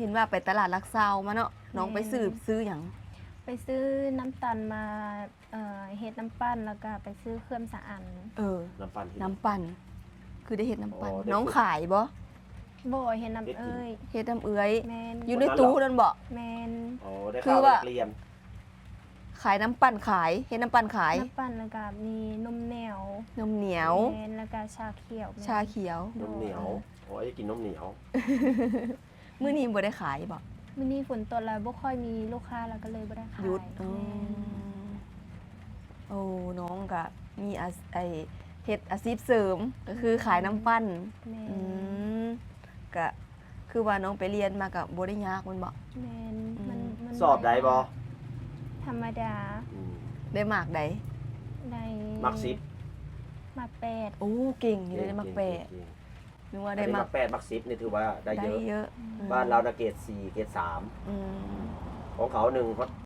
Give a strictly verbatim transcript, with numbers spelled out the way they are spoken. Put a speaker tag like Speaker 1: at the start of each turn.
Speaker 1: ห็นว่าไปตลาดลักซาวมาเนาะน้องไปซื้อซื้อหยัง
Speaker 2: ไปซื้อน้ำตาลมาเอ่อเฮ็ดน้ำปั้นแล้วก็ไปซื้อเครื่องสะอัน
Speaker 1: เออ
Speaker 3: น้ำปั่นที่
Speaker 1: น้ำปั่นคือได้เฮ็ดน้ำปั่น
Speaker 3: อ๋อได้
Speaker 1: น้องขายบ่
Speaker 2: บ่เฮ็ดน้ำเอ้ย
Speaker 1: เฮ็ดน้ำเอื้อย
Speaker 2: แมน
Speaker 1: อยู่ในตู้นั่นบ่
Speaker 2: แมน
Speaker 3: อ๋อได้
Speaker 1: คือ
Speaker 3: ข่าว
Speaker 1: ว่า
Speaker 3: นักเรียน
Speaker 1: ขายน้ำปั่นขายเฮ็ดน้ำปั่นขาย
Speaker 2: น้ำปั้นแล้วก็มีนมเหนียวน
Speaker 1: มเหนียว
Speaker 2: แมนแล้วก็ชาเขียวแม่น
Speaker 1: ชาเขียว
Speaker 3: นมเหนียวโอ้ยกินนมเหนียว
Speaker 1: มื้อนี้บ่ได้ขายบ่
Speaker 2: มื้อนี้ฝนตกแล้วบ่ค่อยมีลูกค้าแล้วก็เลยบ่ได้ขาย
Speaker 1: หยุด
Speaker 2: แม่
Speaker 1: อ๋อน โอ้น้องก็มีอาชไอเฮ็ดอาชีพเสริมก็คือขายน้ำปั่น
Speaker 2: แม่
Speaker 1: อื
Speaker 2: น
Speaker 1: มก็คือว่าน้องไปเรียนมาก็บ่ได้ยากแมันบ่
Speaker 2: แมนมันมัน
Speaker 3: สอบได้บ่
Speaker 2: ธรรมดา
Speaker 3: อืม
Speaker 1: ได้มากใด
Speaker 2: ใน
Speaker 3: มักสิบ
Speaker 2: มาแปด
Speaker 1: โอ้เก่งอยู่ได้มากแปด
Speaker 3: เก่ง
Speaker 1: นึกว่า
Speaker 3: ๆ
Speaker 1: ได้
Speaker 3: ได้
Speaker 1: มา
Speaker 3: มั
Speaker 1: ก
Speaker 3: กแปดมักสิบนี่ถือว่าได้
Speaker 1: ได้
Speaker 3: เยอะ
Speaker 1: เยอะ
Speaker 3: บ้านเรานะเกรดสี่เกรดสาม
Speaker 1: อืม
Speaker 3: ของเขาหนึ่งเขา